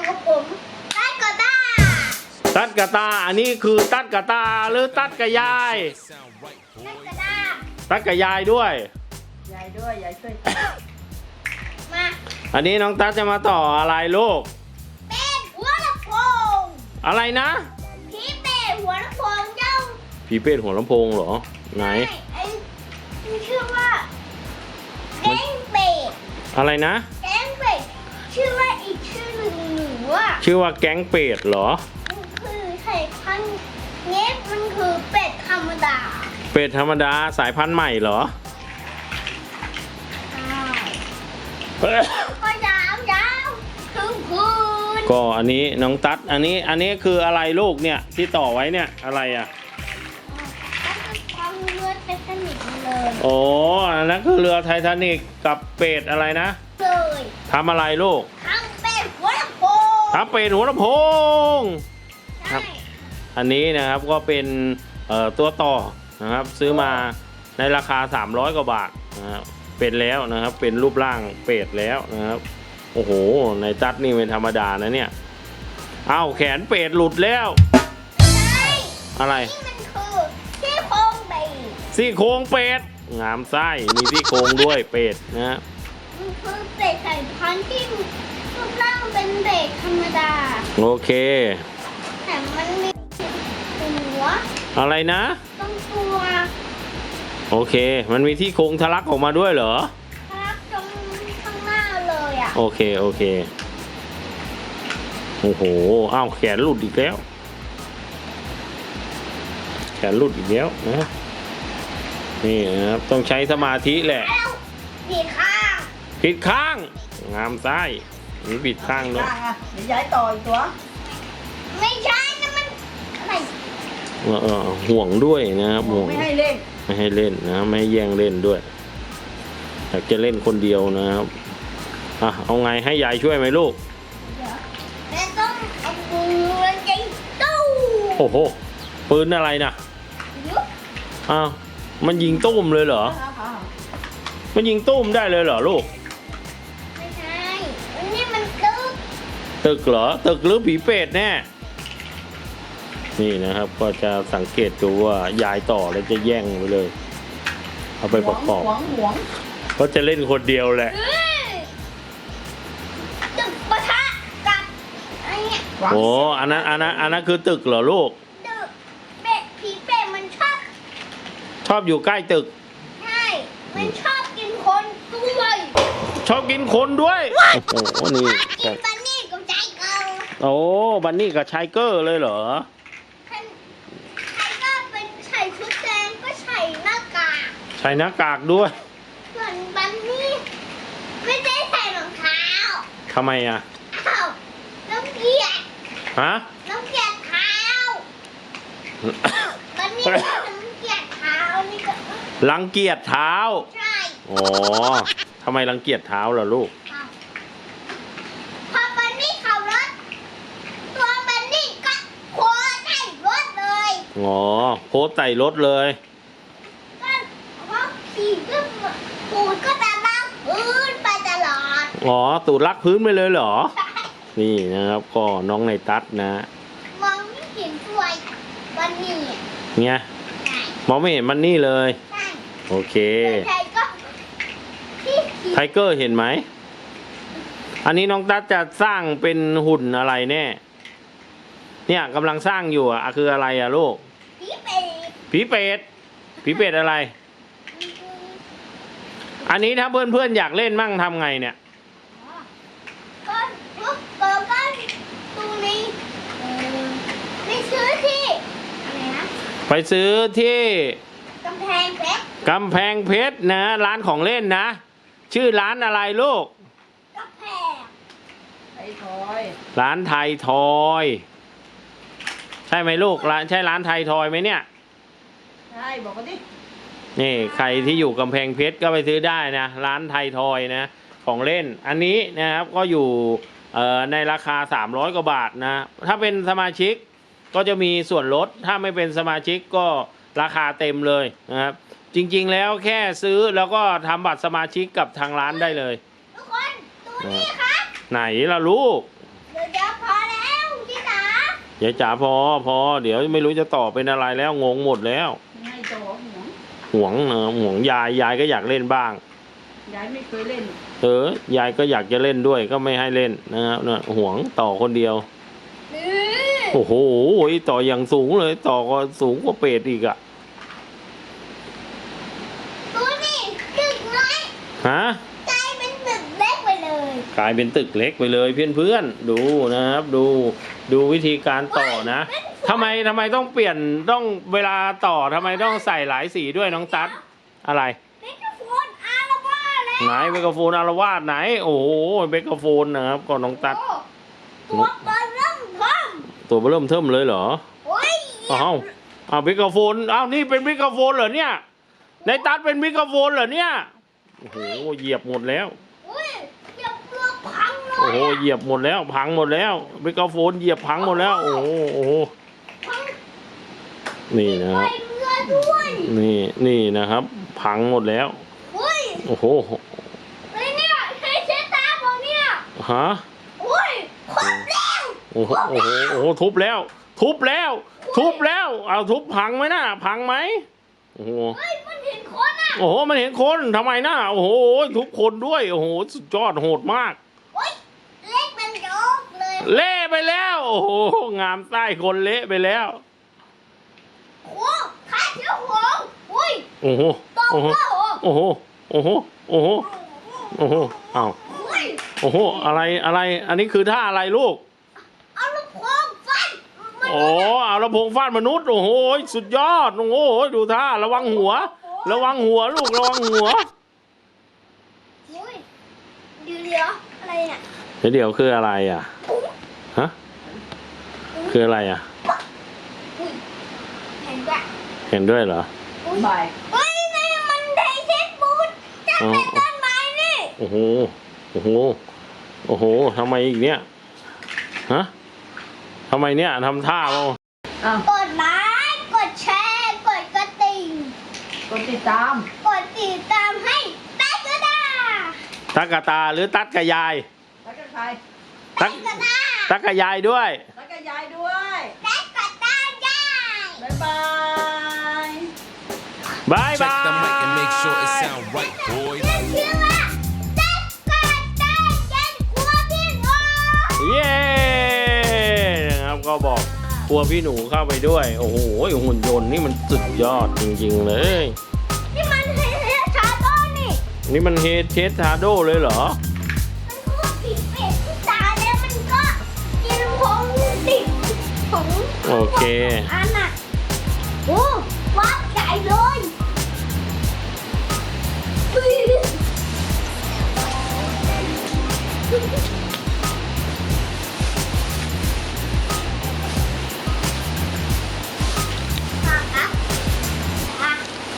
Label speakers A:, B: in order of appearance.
A: กับผมตัดกระตา
B: ตัดกระตาอันนี้คือตัดกระตาหรือตัดกระยาย
A: ตัดกระตา
B: ตัดกระยายด้วย
C: ยายด้วยยายช่วย
A: มา
B: อันนี้น้องตัดจะมาต่ออะไรลูก
A: เป็นหัวลำโพง
B: อะไรนะ
A: ผีเป็ดหัวลำโพงเจ้า
B: ผีเป็ดหัวลำโพงเหรอไหน
A: ชื่อว่าแก๊งเป็ด
B: อะไรนะ
A: แก๊งเป็ดชื่อว่าอีกชื่อหนึ่งหนูอ่ะ
B: ชื่อว่าแก๊งเป็ดเหรอ
A: มันคือสายพันธุ์เนี้ยมันคือเป็ดธรรมดา
B: เป็ดธรรมดาสายพันธุ์ใหม่เหรอ
A: ก็ยาวยาวถึงพื้น
B: ก็อันนี้น้องตัดอันนี้คืออะไรลูกเนี่ยที่ต่อไว้เนี่ยอะไรอ่ะ
A: เรือไททานิกเลย
B: โอ้อันนั้นคือเรือไททานิกกับเป็ดอะไรนะ
A: เลย
B: ทำอะไรลูก
A: ทำเป็ดหัวลำโพง
B: ทำเป็ดหัวลำโพงครับอันนี้นะครับก็เป็นตัวต่อนะครับซื้อมาในราคา300กว่าบาทนะครับเป็นแล้วนะครับเป็นรูปร่างเป็ดแล้วนะครับโอ้โหในตัดนี่เป็นธรรมดานะเนี่ยอ้าวแขนเป็ดหลุดแล้วอะไร
A: นี่มันคือซี่โครงเป็ด
B: ซี่โครงเป็ดงามไส้มีซี่โครงด้วยเป็ดนะ
A: มันคือเป็ดสายพันธุ์ที่รูปร่างเป็นเป็ดธรรมดา
B: โอเค
A: แต่มันมีหัว
B: อะไรนะ
A: ต้องตัว
B: โอเคมันมีที่โครงทะลักออกมาด้วยเหรอ
A: ทะลักตรงข้างหน้าเลยอ่ะ
B: โอเคโอเคโอ้โหอ้าวแขนหลุดอีกแล้วแขนหลุดอีกแล้วนะนี่นะครับต้องใช้สมาธิแหละ
A: ผิดข้าง
B: ผิดข้างงามไส้นี่ผิดข้างด้วย
C: เดี๋ยวย้ายต่ออีกตัว
A: ไม่ใช่นะมันอะไร
B: ห่วงด้วยนะครับห่วง
C: ไม่ให้เล่น
B: ไม่ให้เล่นนะไม่ให้แย่งเล่นด้วยอยากจะเล่นคนเดียวนะครับเอาไงให้ยายช่วยไหมลูก
A: แม่ต้องเอาปืนยิงตู้
B: โอ้โหปืนอะไรนะอ้าวมันยิงตุ้มเลยเหรอมันยิงตุ้มได้เลยเหรอลูก
A: ไม่ใช่อันนี้มัน
B: ตึกเหรอตึกหรือผีเป็ดแน่นี่นะครับก็จะสังเกตดูว่ายายต่อแล้วจะแย่งไปเลยเอาไปประกอบก็จะเล่นคนเดียวแหละ
A: ตึกปะทะกับอะไรเนี่ย
B: โอ้อันนั้นคือตึกเหรอลูก
A: ตึกเป็ดผีเป็ดมัน
B: ชอบอยู่ใกล้ตึก
A: ใช่มันชอบกินคนด้วย
B: ชอบกินคนด้วยโอ้โหนี่
A: กินบันนี่กับไชเกอร์
B: โอ้บันนี่กับไชเกอร์เลยเหรอ
A: ใส่ชุดแดงก็ใส่หน้ากาก
B: ใส่หน้ากากด้วย
A: ส่วนบันนี่ไม่ได้ใส่รองเท้า
B: ทำไมอ่ะ
A: อ้าวน้องเกียร
B: ฮะ
A: น้องเกียรเท้าบันนี่น้องเกียรเท้านี่ก็
B: รังเกียจเท้า
A: ใช่
B: อ๋อทำไมรังเกียจเท้าล่ะลูก
A: พอบันนี่ขับรถตัวบันนี่ก็โผล่ใส่รถเลย
B: อ๋อโพสใส่รถเลย
A: ก็เพราะขี่ก็ปูดก็จะลากพื้นไปตลอด
B: อ๋อตูดลักพื้นไปเลยเหรอนี่นะครับก็น้องในตัดนะ
A: มองไม่เห็นตัวมันนี่
B: เนี่ยมองไม่เห็นมันนี่เลยโอเคไทเกอร์เห็นไหมอันนี้น้องตัดจะสร้างเป็นหุ่นอะไรแน่เนี่ยกำลังสร้างอยู่อ่ะคืออะไรอ่ะลูก
A: ผีเป็ด
B: ผีเป็ดอะไรอันนี้ถ้าเพื่อนๆอยากเล่นมั่งทำไงเนี่ย
A: ก็ตรงนี้ไปซื้อที่อะไรนะ
B: ไปซื้อที่
A: กำแพง
B: เพชรนะร้านของเล่นนะชื่อร้านอะไรลูก
A: กำแพง
C: ไทยทอย
B: ร้านไทยทอยใช่ไหมลูกใช่ร้านไทยทอยไหมเนี่ย
C: ใช่บอกกันดิ
B: นี่ใครที่อยู่กำแพงเพชรก็ไปซื้อได้นะร้านไทยทอยนะของเล่นอันนี้นะครับก็อยู่ในราคา300กว่าบาทนะถ้าเป็นสมาชิกก็จะมีส่วนลดถ้าไม่เป็นสมาชิกก็ราคาเต็มเลยนะครับจริงๆแล้วแค่ซื้อแล้วก็ทำบัตรสมาชิกกับทางร้านได้เลย
A: ทุกคนดูนี่ครับ
B: ไหนล่ะลูก
A: เดี๋ยวพอ
B: ยายจ๋าพอเดี๋ยวไม่รู้จะต่อเป็นอะไรแล้วงงหมดแล้ว
C: ให้ต่อหัว
B: ห่วงนะห่วงยายก็อยากเล่นบ้าง
C: ยายไม่เคยเล่น
B: ยายก็อยากจะเล่นด้วยก็ไม่ให้เล่นนะครับเนี่ยห่วงต่อคนเดียว
A: นี่
B: โอ้โหต่ออย่างสูงเลยต่อก็สูงกว่าเป็ดอีกอะ
A: ดูนี่ตึกน้อย
B: ฮะ
A: กลายเป็นตึกเล็กไปเลย
B: กลายเป็นตึกเล็กไปเลยเพื่อนๆดูนะครับดูวิธีการต่อนะทำไมต้องเปลี่ยนต้องเวลาต่อทำไมต้องใส่หลายสีด้วยน้องตั๊ดอะไร
A: เมกะโฟนอาร์ว่าแล้ว
B: ไหนเมกะโฟนอารวาสไหนโอ้โหเมกะโฟนนะครับก็น้องตั๊ด
A: ตัวเบอร์เริ่มพร้อม
B: ตัวเริ่มเทิมเลยเหรอ
A: โอ้ย
B: อ้าวเมกะโฟนอ้าวนี่เป็นเมกะโฟนเหรอเนี่ยในตั๊ดเป็นเมกะโฟนเหรอเนี่ยโอ้โหเหยียบหมดแล้ว
A: โอ้ยเดี๋ยวเปลือกพังเลย
B: โอ้โหเหยียบหมดแล้วพังหมดแล้วเมกะโฟนเหยียบพังหมดแล้วโอ้โห
A: พัง
B: นี่นะค
A: ไป
B: รับ
A: เรือด้วย
B: นี่นะครับ พังหมดแล้ว
A: โอ้ย
B: โอ้โห
A: ไอ้เนี่ยใช้เช็ดตาผมเนี่ย
B: ฮะ
A: โอ้ยครบแล้ว
B: โอ้โหทุบแล้วเอาทุบพังไหมนะพังไหมโอ้โห
A: เฮ้ยมันเห็นคนอ่ะ
B: โอ้โหมันเห็นคนทำไมนะโอ้โหทุบคนด้วยโอ้โหสุดยอดโหดมาก
A: โอ้ยเล็กมันโยกเลย
B: เละไปแล้วโอ้โหงามไส้คนเละไปแล้ว
A: โอ้ข้าเจ้าหงโอ้ย
B: โอ้โห
A: ตบ
B: โอ้โห
A: เจ้าหง
B: โอ้โหโอ้โหโอ้โหโอ้โหอ้าว
A: โอ้ย
B: โอ้โหอะไรอันนี้คือท่าอะไรลูก
A: เอาลูกโป่งฟันมัน
B: โอ้เอาลำโพงฟาดมนุษย์โอ้โหสุดยอดโอ้โหดูท่าระวังหัวลูกระวังหัว
A: โอ้ยเดี๋ยวอะไรเนี่ย
B: เดี๋ยวคืออะไรอ่ะฮะคืออะไรอ่ะ
A: อุ้ยเห็นปะ
B: เห็นด้วยเหรอ
A: อุ้ย
C: บ่าย
A: เฮ้ยนี่มันไดเซ็ตบูทจะเป็นต้นไม้นี่
B: โอ้โหทำไมอีกเนี่ยฮะทำไมเนี่ยทำท่าเรา
C: อ้าว
A: กดไลค์กดแชร์กดกระดิ่ง
C: กดติดตาม
A: กดติดตามให้ตาก็ได้
B: ตักกะตาหรือตัดกะยาย
C: แล้วก็ใคร
B: ตัก
A: ก็ได้
B: ตักกะยายด้วย
C: แล้วก็ยายด้วย
A: ตาก็ได้ได้
C: บ๊ายบาย
B: บาย
D: Check
B: บาย
D: the mic and make sure it sound right, boys.
A: ชื่อว่าตาก็ได้ยันกลัวพี่น้อง
B: เย้นะครับก็บอกกลัวพี่หนูเข้าไปด้วยโอ้โหหุ่นยนต์นี่มันสุดยอดจริงๆเลย
A: นี่มันเฮชาโดนี่
B: นี่มันเฮดเชสทาโดเลยเหรอ
A: มันก็ผิดเป็ดที่ตาแล้วมันก็กินผงดิบผง
B: โอเค
A: อันน่ะโอ้ว้าวใหญ่เลย